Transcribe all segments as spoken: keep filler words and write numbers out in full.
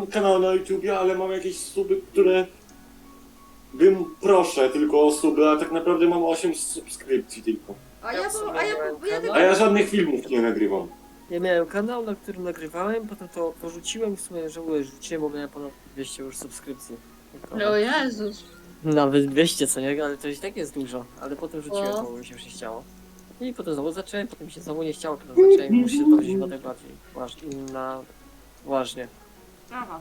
kanał na YouTubie, ale mam jakieś suby, które bym proszę tylko o suby, a tak naprawdę mam osiem subskrypcji tylko. A ja, bo, a ja, bo, ja tylko... A ja żadnych filmów nie nagrywam. Ja miałem kanał, na którym nagrywałem, potem to porzuciłem i w sumie żałuję, że rzuciłem, bo miałem ponad dwieście już subskrypcji. O Jezus. Nawet dwieście, co nie? Ale to i tak jest dużo. Ale potem rzuciłem, O. bo mi się już nie chciało. I potem znowu zacząłem, potem mi się znowu nie chciało, potem zacząłem i muszę się to wziąć na najbardziej ważnie. Na... Ważnie. Aha.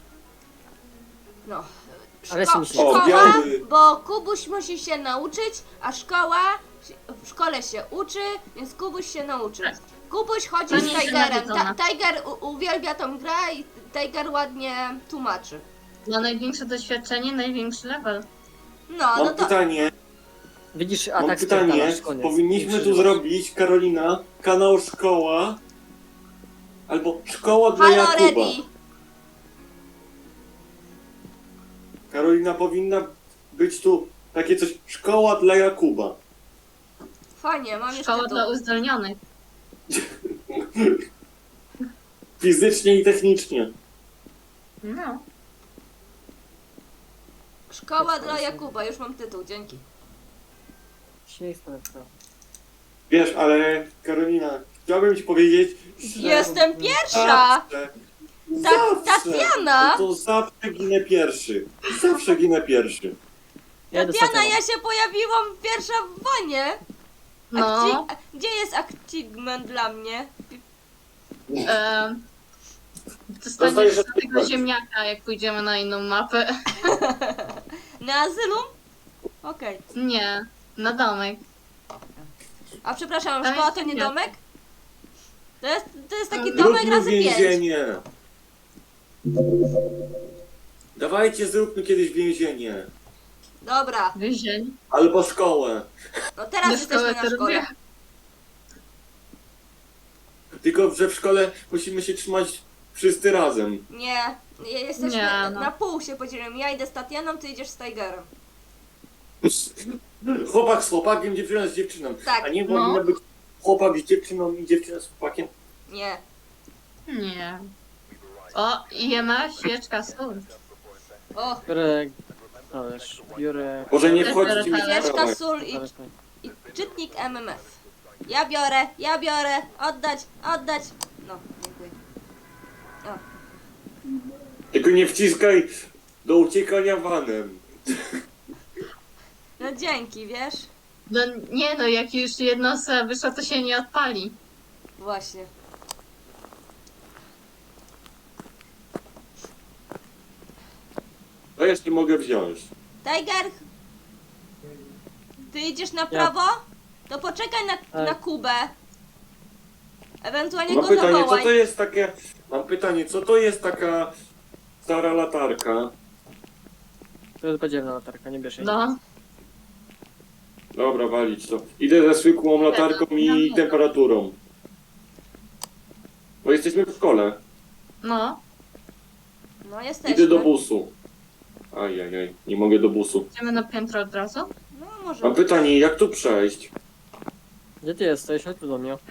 No. Ale Szko- się mi się- szkoła, O, biały. bo Kubuś musi się nauczyć, a szkoła w szkole się uczy, więc Kubuś się nauczy. Kubuś chodzi To z nie jest Tigerem. nawiedzona. Ta- Tiger u- uwielbia tą grę i Tiger ładnie tłumaczy. Ma największe doświadczenie, największy level. No, Mam no to pytanie, Widzisz, mam atak pytanie, spierdalasz, koniec. powinniśmy Nie tu przeżywasz. zrobić, Karolina, kanał szkoła, albo szkoła dla halo Jakuba. ready. Karolina, powinna być tu takie coś, szkoła dla Jakuba. Fajnie, mam jeszcze Szkoła tu. dla uzdolnionych. Fizycznie i technicznie. No. Szkoła dla Jakuba, już mam tytuł, dzięki. Śmiech sprawdza. Wiesz, ale Karolina, chciałbym ci powiedzieć, że Jestem pierwsza! zawsze, Ta- zawsze, Tatiana! to zawsze ginę pierwszy. Zawsze ginę pierwszy. Ja idę Tatiana, Tatianą. ja się pojawiłam pierwsza w wonie. No. Acci- Gdzie jest achievement dla mnie? E, Dostajesz dostaniesz tego achievement. ziemniaka, jak pójdziemy na inną mapę. Na azylum? Okej. Nie, na domek. A przepraszam, Tam szkoła jest to nie ziemniak. domek? To jest, to jest taki domek Zróbmy razy pięć. więzienie. Dawajcie, zróbmy kiedyś więzienie. Dobra, Więzień. Albo szkołę. no teraz Do jesteśmy szkoły na to szkole. robię. Tylko, że w szkole musimy się trzymać wszyscy razem. Nie, je- jesteśmy Nie, no. na pół się podzielimy. Ja idę z Tatianą, ty idziesz z Tigerem. Chłopak z chłopakiem, dziewczyna z dziewczyną. Tak, A nie no. powinno być chłopak z dziewczyną i dziewczyna z chłopakiem. nie. Nie. O, i ma świeczka sól. O, Biorę... Ależ, biorę... Może nie Też wchodzić mi w biorę świeczka, sprawę. sól i, Biorę- i czytnik M M F. Ja biorę, ja biorę, oddać, oddać. No, dziękuję. O, Tylko nie wciskaj do uciekania vanem. no dzięki, wiesz? No nie no, jak już jedna osoba wyszła, to się nie odpali. Właśnie. To jeszcze mogę wziąć. Tiger, ty idziesz na prawo? To poczekaj na, Tak. na Kubę. Ewentualnie Mam go pytanie, co zawołaj. to jest takie... Mam pytanie, co to jest taka stara latarka? To jest podzielna latarka, nie bierz jej. No. Dobra, walić to. Idę ze zwykłą latarką i temperaturą. Bo jesteśmy w szkole. No. No jesteśmy. Idę do busu. Ajajaj, nie mogę do busu. Idziemy na piętro od razu? No może. Mam pytanie, jak tu przejść? Gdzie ty jesteś? Chodź tu do mnie.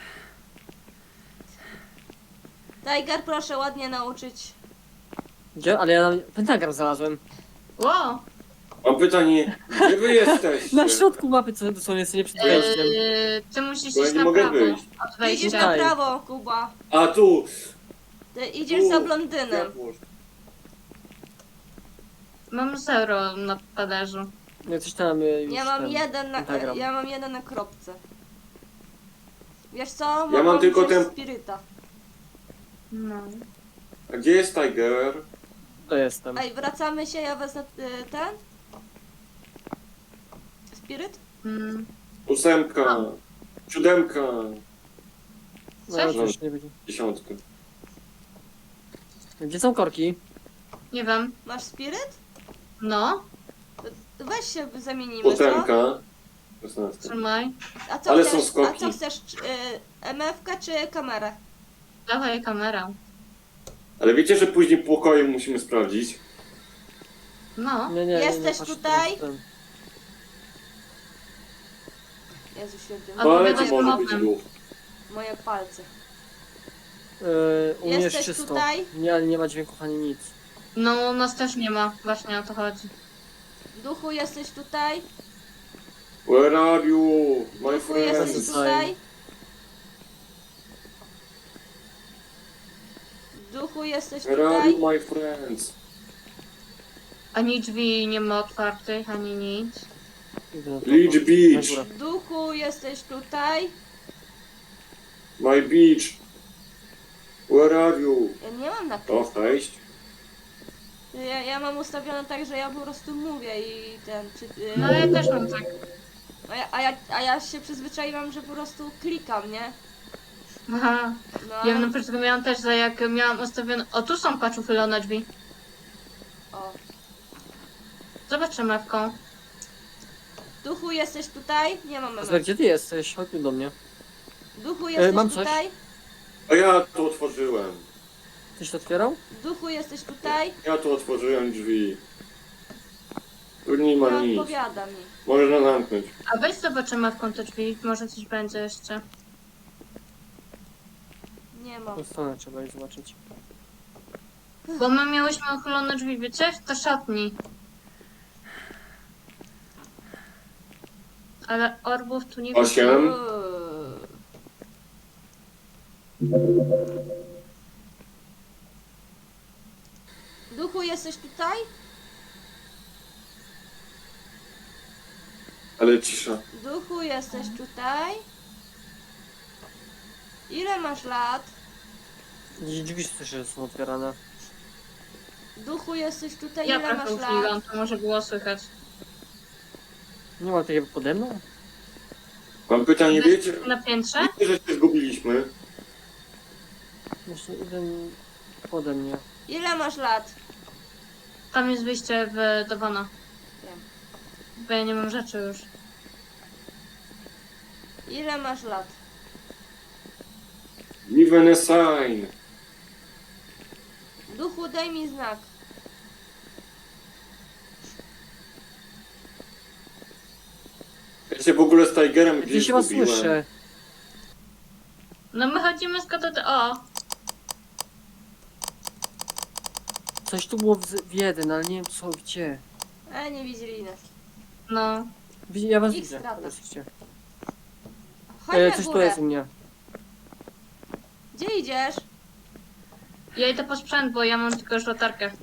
Tiger, proszę ładnie nauczyć. Gdzie? Ale ja na... pentagram znalazłem. Wow. Mam pytanie, gdzie wy jesteście? Na środku mapy, co dosłownie sobie przed wejściem. Eee, ty musisz Bo ja iść nie na mogę prawo wyjść. od Ty idziesz wejścia. na Daj. prawo, Kuba. A tu! Ty idziesz Tu. za blondynem. Mam zero na talerzu. No coś tam y, już Ja mam ten, jeden na, pentagram. ja mam jeden na kropce. Wiesz co? mam Mogą tylko wziąć ten- Spiryta. No. A gdzie jest Tiger? To jestem. Ej, wracamy się, ja wezmę y, ten. Spiryt? Mm. Ósemka, siódemka, No, Cześć. to już nie będzie. dziesiątka. Gdzie są korki? Nie wiem. Masz spiryt? No. To weź się zamienimy, co? Ósemka, szesnastka. Trzymaj. A co Ale są chcesz, a skoki. co chcesz? Czy, y, M F ka czy kamerę? Dawaj kamerę. Ale wiecie, że później pokoju musimy sprawdzić? No. Nie, nie, nie, nie, Jesteś patrz, tutaj? ten- Jezu święty, A No ale powiadać to może być potem. głów. moje palce. Yy, u mnie jest Jesteś czysto. tutaj? Nie, ale nie ma dźwięków ani nic. No, u nas też nie ma, właśnie o to chodzi. Duchu, jesteś tutaj? Where are you, my Duchu, jesteś friends? tutaj? Duchu, jesteś Where are tutaj? you, my friends? Ani drzwi nie ma otwartych, ani nic. Idę na to- Leech na Beach, górę. Duchu, jesteś tutaj? my beach. Where are you? Ja nie mam na O, wejść. ja, ja mam ustawione tak, że ja po prostu mówię i ten... Czy, y, No ja też mam tak. a, ja, a, ja, a ja się przyzwyczaiłam, że po prostu klikam, nie? Aha. No, Ja ale... na przykład miałam też, że jak miałam ustawione... O, tu są patrz uchylone drzwi. O. Zobacz mewką. Duchu, jesteś tutaj? Nie mam Zobacz, memy. gdzie ty jesteś? Chodź tu do mnie. Duchu, jesteś mam coś. tutaj? A ja tu otworzyłem. Tyś to otwierał? Duchu, jesteś tutaj? Ja tu otworzyłem drzwi. Tu nie ma Nie nic. odpowiada mi. Można zamknąć. A weź zobacz mewką te drzwi, może coś będzie jeszcze. Nie mam. Tą stronę trzeba iść zobaczyć. Bo my miałyśmy uchylone drzwi, wiecie? Do szatni. Ale orbów tu nie Osiem. Uuu. Duchu, jesteś tutaj? Ale cisza. Duchu, jesteś tutaj? Ile masz lat? Gdzieś drzwi słyszę, że są otwierane. Duchu, jesteś tutaj? Ja Ile trochę masz lat? uchyliłam, to może było słychać. Nie ma takiego pode mną? Mam pytanie, wiecie? Na piętrze? Wiecie, że się zgubiliśmy? Jeszcze jeden pode mnie. Ile masz lat? Tam jest wyjście w, do wana. Wiem. Bo ja nie mam rzeczy już. Ile masz lat? Given a sign. Duchu, daj mi znak. Ja się w ogóle z Tigerem Gdzie gdzieś się was zgubiłem. słyszę? No my chodzimy z katoty. O! Coś tu było w, w jeden, ale nie wiem co, gdzie. E, nie widzieli nas. No. Widzi- Ja was Ich widzę. strata. Jesteście. Chodź E, na coś tu górę. jest u mnie. Gdzie idziesz? Ja idę po sprzęt, bo ja mam tylko już latarkę.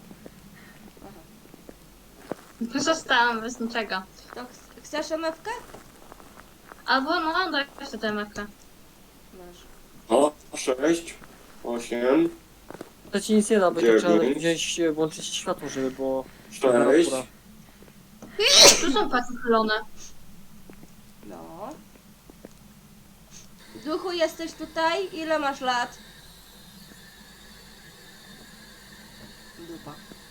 Zostałam bez niczego. To ch- chcesz emewkę? Albo no, daj sobie tę mewkę. Masz. O, sześć. Osiem. To ci nic nie da, będzie Dziewięć. trzeba wziąć, e, włączyć światło, żeby było... Sześć. temperatura. Tu są patrz uchylone. No. Duchu, jesteś tutaj? Ile masz lat? Dupa.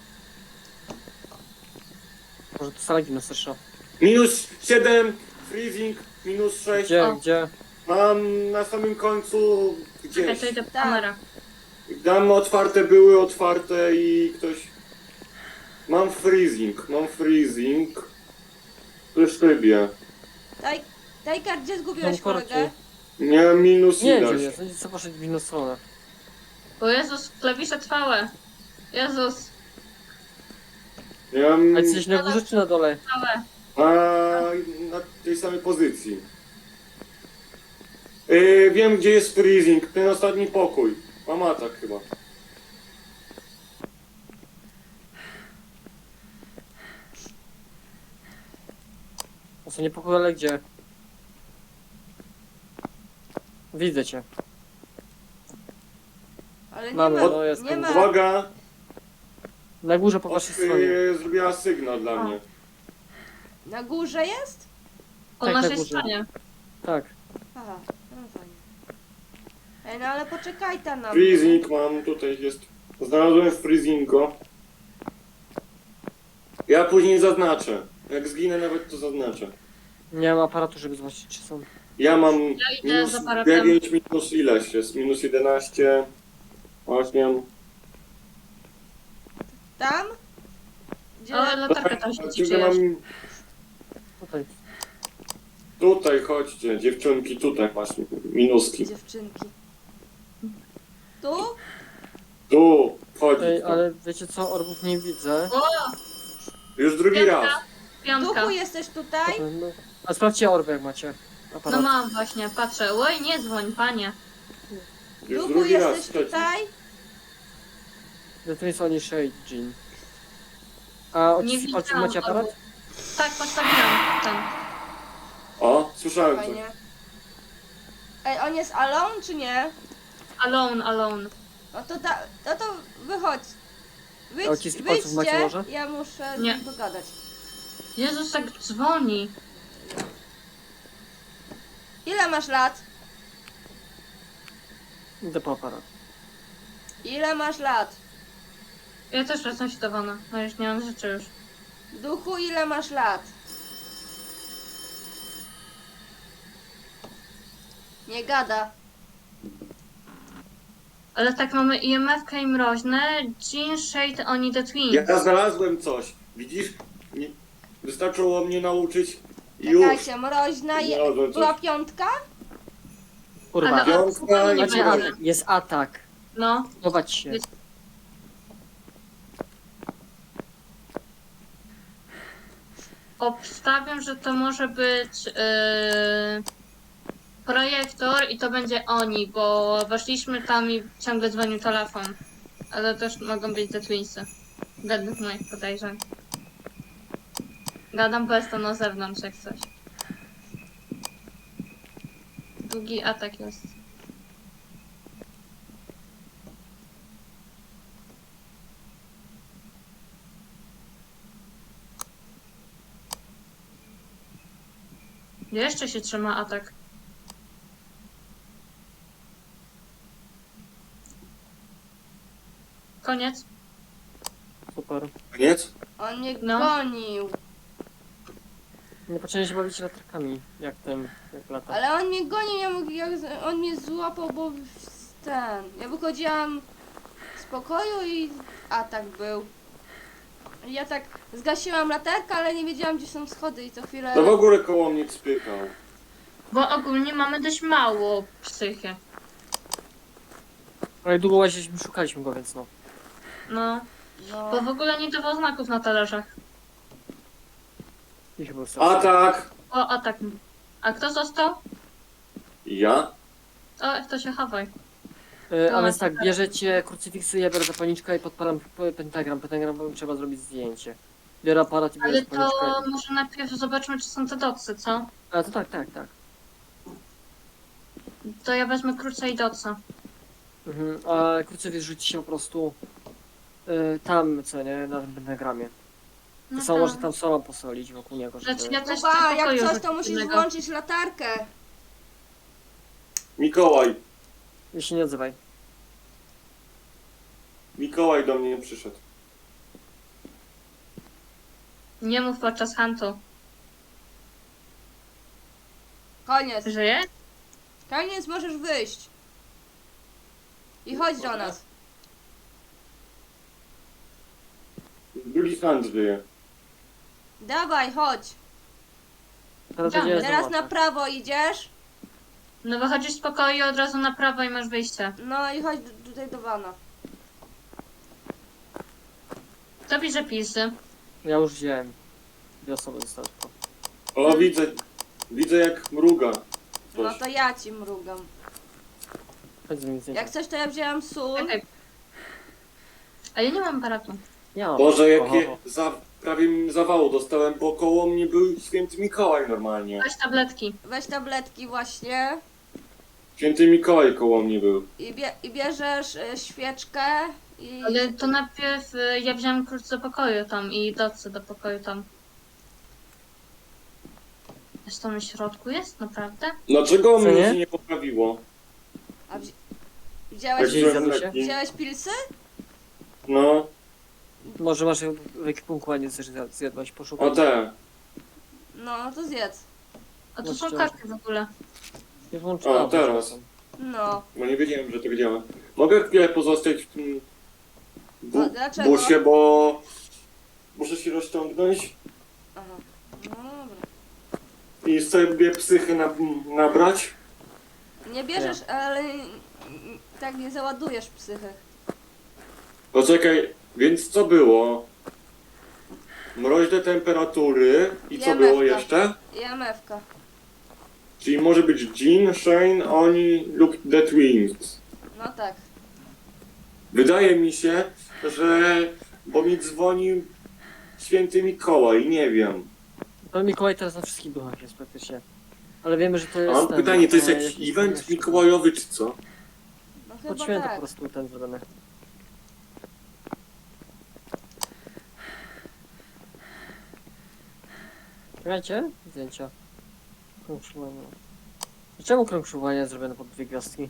Może to sala gimnastyczna. Minus siedem. Freezing. Minus sześć. Gdzie, O. gdzie? Mam na samym końcu Czekaj, gdzieś. to idę po Tak. kamerę. Tam otwarte były, otwarte i ktoś... Mam freezing, mam freezing. W szybie. Taj, Tajkar, gdzie zgubiłeś Mam korki. kolegę? Miałem minus Nie wiem gdzie ileś. jest, oni co poszedł w inną stronę. O Jezus, klawisze trwałe. Jezus, Miałem A ty jesteś na górze czy na dole? trwałe. a, na tej samej pozycji. Yy, wiem gdzie jest freezing, ten ostatni pokój. Mam atak chyba. O co nie pokój, ale gdzie? Widzę cię. Ale nie Mamy, ma, no jest nie tam. ma. Uwaga! Na górze po waszej stronie. Yy, zrobiła sygnał dla A. mnie. Na górze jest? Po Tak, na naszej górze. stronie. Tak. Aha, no fajnie. Ej, no ale poczekaj tam na mnie. Freezing mam, tutaj jest. Znalazłem freezingo. Ja później zaznaczę. Jak zginę nawet to zaznaczę. Nie mam aparatu, żeby zobaczyć czy są. Ja mam Ja idę minus z aparatem. dziewięć, minus ileś jest? Minus jedenaście, osiem. Tam? Gdzie? O, latarka tam świeci, Tylko czyjaś. mam... Tutaj. Tutaj chodźcie, dziewczynki, tutaj masz minuski. Dziewczynki. Tu? Tu, Wchodzić. Ej, tam. ale wiecie co, orbów nie widzę. O, Już drugi piątka. raz. Piątka. Duchu, jesteś tutaj? No, a sprawdźcie orby jak macie. No Aparat. mam właśnie, patrzę. Oj, nie dzwoń, panie. Już Duchu, drugi raz. jesteś Trzeci. tutaj? To jest oni Shade Jean. A Nie odciski palców widziałam macie aparat? orbów. Tak, postawiłam ten. O, słyszałem coś. Fajnie. Ej, on jest alone czy nie? Alone, alone. No to, ta, no to wychodź. A Wyjdź, odciski palców macie wyjdźcie, może? ja muszę Nie. pogadać. Jezus, tak dzwoni. Ile masz lat? Idę po aparat. Ile masz lat? Ja też jestem światowana. No już nie mam rzeczy już. Duchu, ile masz lat? Nie gada. Ale tak mamy I M F-kę i mroźne. Jean, Shade, oni the Twins. Ja znalazłem coś. Widzisz? Nie... Wystarczyło mnie nauczyć i już. Czekajcie, mroźna je... Znalazłem była coś. piątka? Kurwa. Ale Piątka nie i Macie będzie. atak, jest atak. No. Chować się. Jest- Obstawiam, że to może być yy, projektor i to będzie oni, bo weszliśmy tam i ciągle dzwonił telefon. Ale też mogą być te Twinsy. Według moich podejrzeń. Gadam, bo jestem na zewnątrz jak coś. Długi atak jest. Jeszcze się trzyma atak. Koniec. Super. Koniec? On mnie No. gonił. Nie poczęli się bawić latarkami, jak ten, jak lata. Ale on mnie gonił, ja mógł, ja, on mnie złapał, bo w- ten... Ja wychodziłam z pokoju i atak był. I ja tak zgasiłam latarkę, ale nie wiedziałam, gdzie są schody i co chwilę... To w ogóle koło mnie spykał. Bo ogólnie mamy dość mało psychy. Ale długo łaziliśmy, szukaliśmy go, więc no. No. No. Bo w ogóle nie dawał znaków na talerzach. I chyba sens. Atak! O, atak. A kto został? Ja? O, to się chawaj. E, No, a więc tak, tak. bierzecie krucyfiksy, ja biorę zapalniczkę i podpalam p- pentagram. Pentagram bo trzeba zrobić zdjęcie. Biorę aparat i biorę Ale to zapalniczkę. może najpierw zobaczmy, czy są te docy, co? A to tak, tak, tak. To ja wezmę kruca i doca. Mhm. A krucyfiks rzuci się po prostu y, tam, co nie, na tym pentagramie. No To samo, tak. może tam solą posolić wokół niego, żeby... Znaczy ja też Kuba, chcę jak pokoju coś, to musisz innego. włączyć latarkę. Mikołaj. Jeśli nie odzywaj. Mikołaj do mnie przyszedł. Nie mów podczas huntu. Koniec. Żyje? Koniec, możesz wyjść. I chodź do nas. Drugi hand żyje. Dawaj, chodź. Teraz Tam, będzie Teraz zobaczę. na prawo idziesz. No wychodzisz z pokoju od razu na prawo i masz wyjście. No i chodź d- tutaj do wana. To bierze pisy. Ja już wziąłem. Dwie osoby zostały tylko. O, widzę. Widzę jak mruga. No Coś. to ja ci mrugam. Chodź z nim zdjęcie. Jak coś, to ja wzięłam sól. Czekaj. A ja nie mam aparatu. Ja mam. Boże, Oho, jakie oho. za... prawie zawału dostałem, bo koło mnie był święty Mikołaj normalnie. Weź tabletki. Weź tabletki właśnie. Święty Mikołaj koło mnie był. I, bie i bierzesz y, świeczkę. I... Ale to najpierw y, ja wziąłem klucz do pokoju tam i docy do pokoju tam. Jest to na środku jest? Naprawdę? Dlaczego Co mnie nie? się nie poprawiło? A wzi Jak wziąłeś, Gdzieś wziąłem zjadł się? leki? wziąłeś pilsy? No, Może masz w ekwipunku, a nie chcesz zjad- zjadłaś, poszukaj. o te. No, to zjedz. A to No są szczerze. karty w ogóle. Nie włączyłam. O, teraz. No. Bo nie wiedziałem, że tak działa. Mogę chwilę pozostać w tym bu A dlaczego? busie, bo muszę się rozciągnąć Aha. No dobra. i sobie psychy na nabrać. Nie bierzesz, ale mm, tak nie załadujesz psychy. Poczekaj, więc co było? Mroźne temperatury i co Ja było mewka. jeszcze? I M F ka. Czyli może być Jean, Shane, oni lub The Twins. No tak. Wydaje mi się, że... Bo mi dzwonił święty Mikołaj, nie wiem. To Mikołaj teraz na wszystkich duchach jest praktycznie. Ale wiemy, że to A jest mam ten, pytanie, to jest e, jakiś event mikołajowy czy co? No Pod chyba święto po tak. prostu ten zrobiony. Czekajcie, zdjęcia. Krążowanie. Czemu krążowanie jest zrobione pod dwie gwiazdki?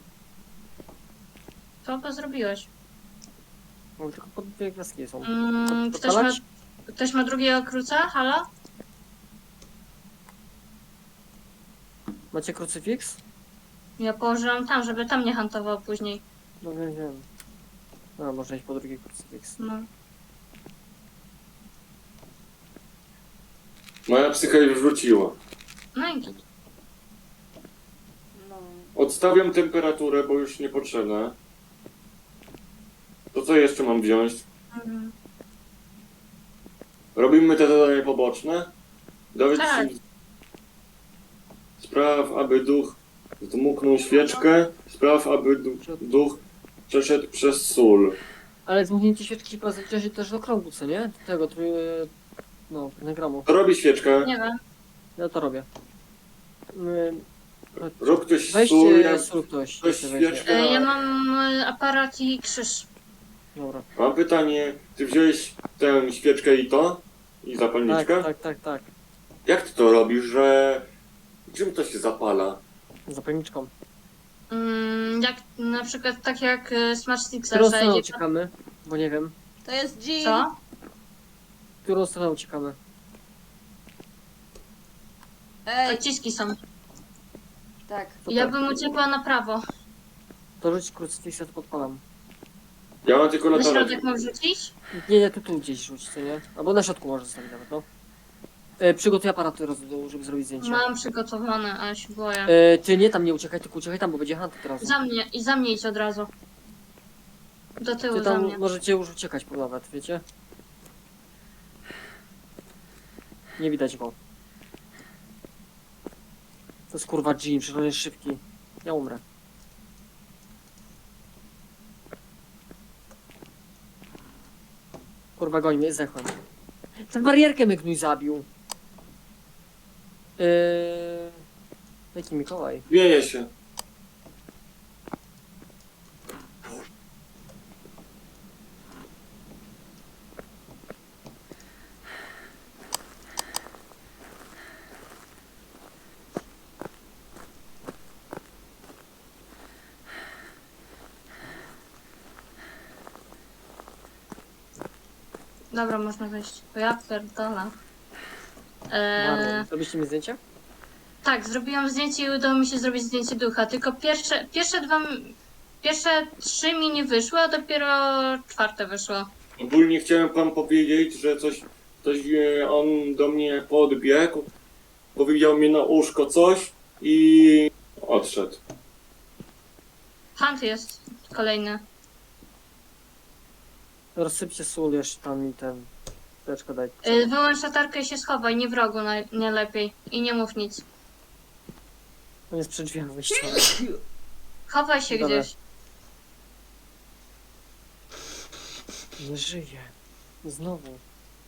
Co to zrobiłeś? Bo tylko pod dwie gwiazdki są. Mm, ktoś, ma, Podpalać? ktoś ma drugiego kruca? Halo? Macie krucyfiks? Ja położyłam tam, żeby tam nie hantował później. No wiem, wiem. No, można iść po drugi krucyfiks. No. Moja psycha już wróciła. No i git. No. Odstawiam temperaturę, bo już niepotrzebne. To co jeszcze mam wziąć? Mhm. Robimy te zadania poboczne. Dowiedz Tak. się... Spraw, aby duch zdmuchnął świeczkę. Spraw, aby du duch przeszedł przez sól. Ale zmuchnięcie świeczki się zaliczy też do krągu, co nie? Do tego, trój... no, pentagramu. Kto robi świeczkę? Nie wiem. Ja to robię. Ym, Rób ktoś sól, Weźcie ja... sól ktoś. Ktoś jeszcze weźmie. świeczkę. E, ja mam e, aparat i krzyż. Dobra. Mam pytanie, ty wziąłeś tę świeczkę i to? I Tak, zapalniczkę? tak, tak, tak. Jak ty to robisz, że... Czym to się zapala? Zapalniczką. Mm, jak na przykład tak jak e, Smart W Sticksa, którą że stronę idzie... uciekamy? Bo nie wiem. To jest Jean. Co? W którą stronę uciekamy? Ej, Odciski są. tak. To Ja tak. bym uciekła na prawo. To rzuć krucyfiksa, to podpalam. Ja mam tylko Na latarek. środek mam rzucić? Nie, nie, tu, tu gdzieś rzuć, co nie? Albo na środku może zostawić nawet, no. E, przygotuj aparat teraz do dołu, żeby zrobić zdjęcie. Mam przygotowane, ale się boję. E, ty nie tam nie uciekaj, tylko uciekaj tam, bo będzie hunt teraz. Za mnie i za mnie idź od razu. Do tyłu Ty za tam mnie. możecie już uciekać po nawet, wiecie? Nie widać go. To jest kurwa Jean, przecież on jest szybki. Ja umrę. Kurwa goń mnie, zdechłem. Ten barierkę mnie gnój zabił. Yy... Jaki Mikołaj? Wieje się. Dobra, można wejść. To ja pierdolę. Marlon, Eee, zrobiliście mi zdjęcie? tak, zrobiłam zdjęcie i udało mi się zrobić zdjęcie ducha, tylko pierwsze, pierwsze dwa, m- pierwsze trzy mi nie wyszły, a dopiero czwarte wyszło. Ogólnie chciałem wam powiedzieć, że coś, coś e, on do mnie podbiegł, powiedział mi na uszko coś i odszedł. Hunt jest kolejny. Rozsypcie sól jeszcze tam i ten... Teczkę daj. Eee, wyłącz latarkę i się schowaj, nie w rogu naj, nie lepiej. I nie mów nic. On jest przy drzwiach wyjściowych. Chowaj się Dobra. gdzieś. Nie żyje. Znowu.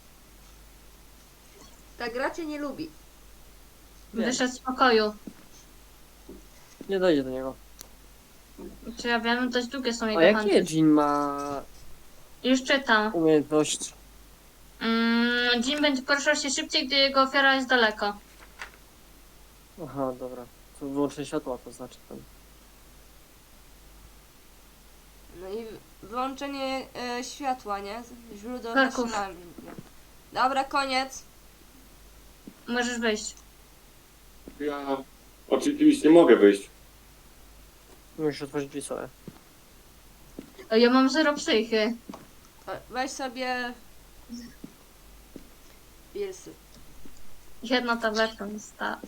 Ta gra cię nie lubi. Nie. Wyszedł z pokoju. Nie dojdzie do niego. Czy ja wiem, dość długie są A jego jakie hunty. Jean ma Już czytam. umiejętność? Mm, Jim będzie poruszał się szybciej, gdy jego ofiara jest daleko. Aha, dobra. To wyłączenie światła to znaczy ten. No i wyłączenie e, światła, nie? Źródło Kraków. zasilania. Dobra, koniec. Możesz wyjść. Ja oczywiście nie mogę wyjść. Musisz otworzyć drzwi sobie. O, ja mam zero psychy. O, weź sobie... Pilsy. Jedna tabletka mi sta.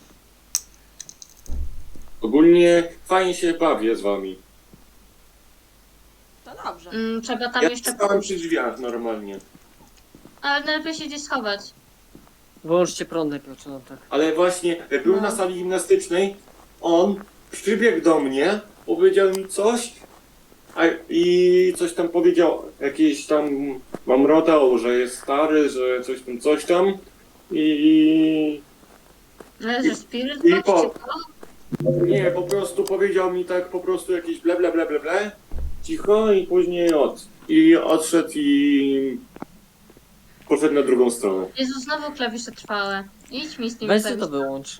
Ogólnie fajnie się bawię z wami. To dobrze. Dobrze. Mm, trzeba tam Ja jeszcze stałem pójść. przy drzwiach normalnie. Ale najlepiej się gdzieś schować. Wyłączcie prąd najpierw, czy no tak. Ale właśnie, jak byłem No. na sali gimnastycznej, on przybiegł do mnie, powiedział mi coś a, i coś tam powiedział, jakieś tam mamrotał, że jest stary, że coś tam, coś tam i Ale że spiryt i box, po- czy co? nie, po prostu powiedział mi tak po prostu jakieś ble ble ble ble ble, cicho i później od i odszedł i poszedł na drugą stronę. Jezu, znowu klawisze trwałe. Idź mi z tym Weź sobie to wyłącz.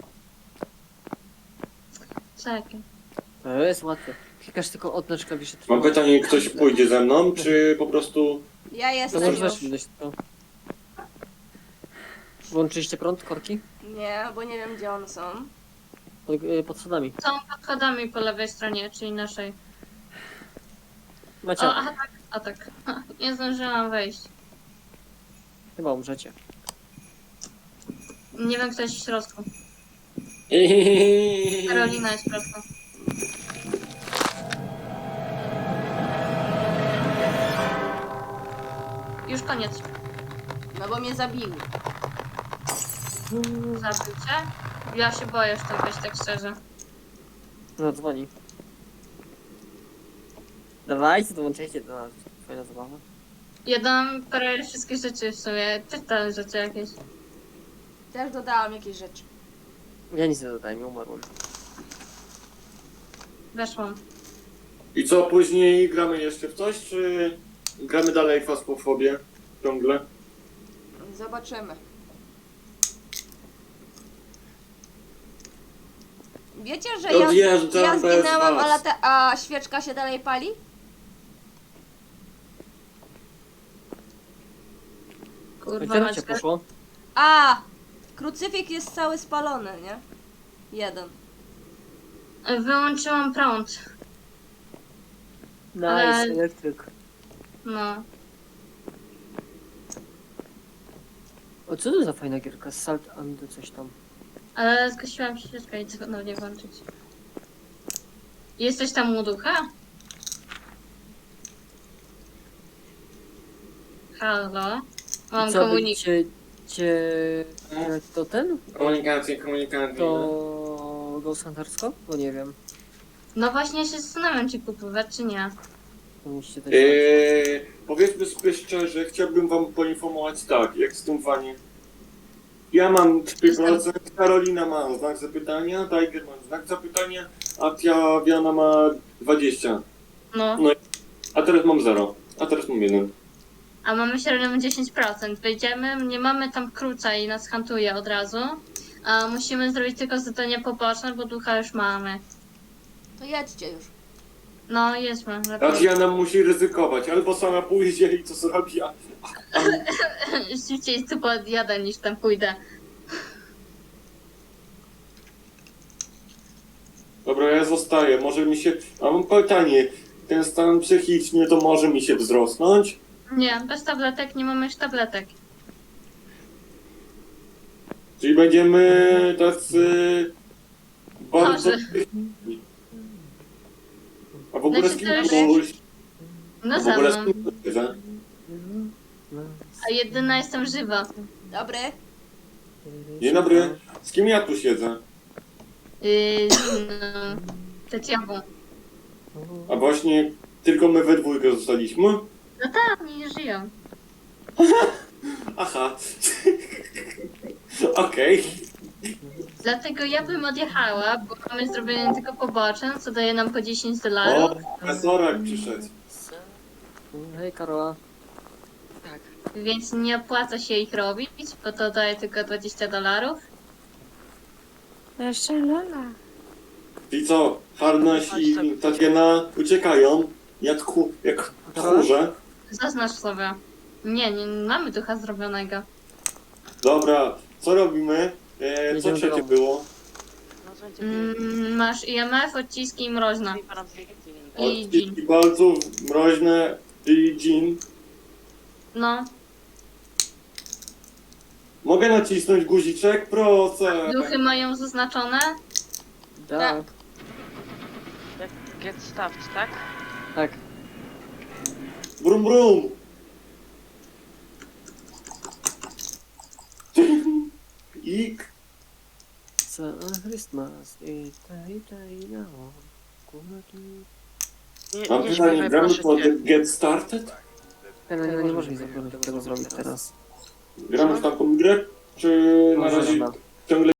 Czekaj. To jest łatwe. Klikasz tylko odnacz klawisze Mam trwałe. pytanie, ktoś pójdzie ze mną, czy po prostu... Ja To jestem może już. weź gdzieś to. Włączyliście prąd, korki? Nie, bo nie wiem gdzie one są. Pod, y, pod schodami. Są pod schodami po lewej stronie, czyli naszej. Macie, O, a tak, a tak. Nie zdążyłam wejść. chyba umrzecie. Nie wiem, kto jest w środku. Karolina jest w środku. Już koniec. No bo mnie zabiły. Zabił cię? Ja się boję w to wejść, tak szczerze. No dzwoni. Dawajcie, dołączajcie do nas. Fajna zabawa. Ja dam parę wszystkie rzeczy w sumie. Też tam rzeczy jakieś. Też dodałam jakieś rzeczy. Ja nic nie dodałem, nie umarłem. Weszłam. I co, później gramy jeszcze w coś, czy gramy dalej w Fasmofobię ciągle? Zobaczymy. Wiecie, że ja, Odjeżdżam ja bez zginęłam, was. a, lata, a świeczka się dalej pali? Kurwa, Gdzie mać. cię poszło? A! Krucyfik jest cały spalony, nie? Jeden. Wyłączyłam prąd. Nice, Ale- elektryk. No. O, co to za fajna gierka? Salt and coś tam. Ale zgasiłam świeczkę i co ponownie włączyć. Jesteś tam u ducha? Halo? Mam Co, komunik. cię, cię... To ten? Komunikację, komunikację. To... Ghost Huntersko? Bo nie wiem. No właśnie ja się zastanawiam, czy kupować, czy nie. To musicie też... Eee, powiedzmy sobie szczerze, chciałbym wam poinformować tak, jak z tym faniem. Ja mam trzy procent, Karolina ma znak zapytania, Tiger ma znak zapytania, a Tiawiana ma dwadzieścia. No. A teraz mam zero, a teraz mam jeden. A mamy średnią dziesięć procent. Wejdziemy, nie mamy tam kruca i nas hantuje od razu. A musimy zrobić tylko zadania poboczne, bo ducha już mamy. To jedźcie już. No, jedźmy. lepiej. Tatiana musi ryzykować, albo sama pójdzie i co zrobi, a... Szybciej tu podjadę niż tam pójdę. Dobra, ja zostaję, może mi się... A mam pytanie, ten stan psychiczny to może mi się wzrosnąć? Nie, bez tabletek nie mamy już tabletek. Czyli będziemy tacy... Bardzo... Chorzy. A w ogóle z Znaczy, kim to już- pójść? No W za ogóle z mną. kim pójść? A jedyna jestem żywa. Dobry. Dzień dobry. Z kim ja tu siedzę? Yy, z inną. Tetiawą. A właśnie tylko my we dwójkę zostaliśmy? No tak, oni nie żyją. Aha. Okej. Dlatego ja bym odjechała, bo mamy zrobione tylko poboczne, co daje nam po dziesięć O, dolarów. profesorek przyszedł. Hej Karola. Tak. Więc nie opłaca się ich robić, bo to daje tylko dwadzieścia dolarów. Jeszcze Lola. I co? Harnaś i Tatiana uciekają jak, ku, jak tchórze. Zaznacz sobie. Nie, nie mamy ducha zrobionego. Dobra, co robimy? E, co Jedziemy do trzecie domu. było? Mm, masz I M F, odciski i mroźna. I Odciski gin. palców, mroźne i gin. No, Mogę nacisnąć guziczek? Proszę. duchy mają zaznaczone. Tak. Jak get stuffed, tak? Tak. Brum brum! Ik! Za Christmas, i ta, i ta, i na kulaki. Nie, Mam nie pytanie, śpiewaj, gramy proszę po cię. The Get Started? Nie, no, nie, nie możesz mi tego zrobić teraz. Gramy w taką grę? Czy na Może razie rada. ciągle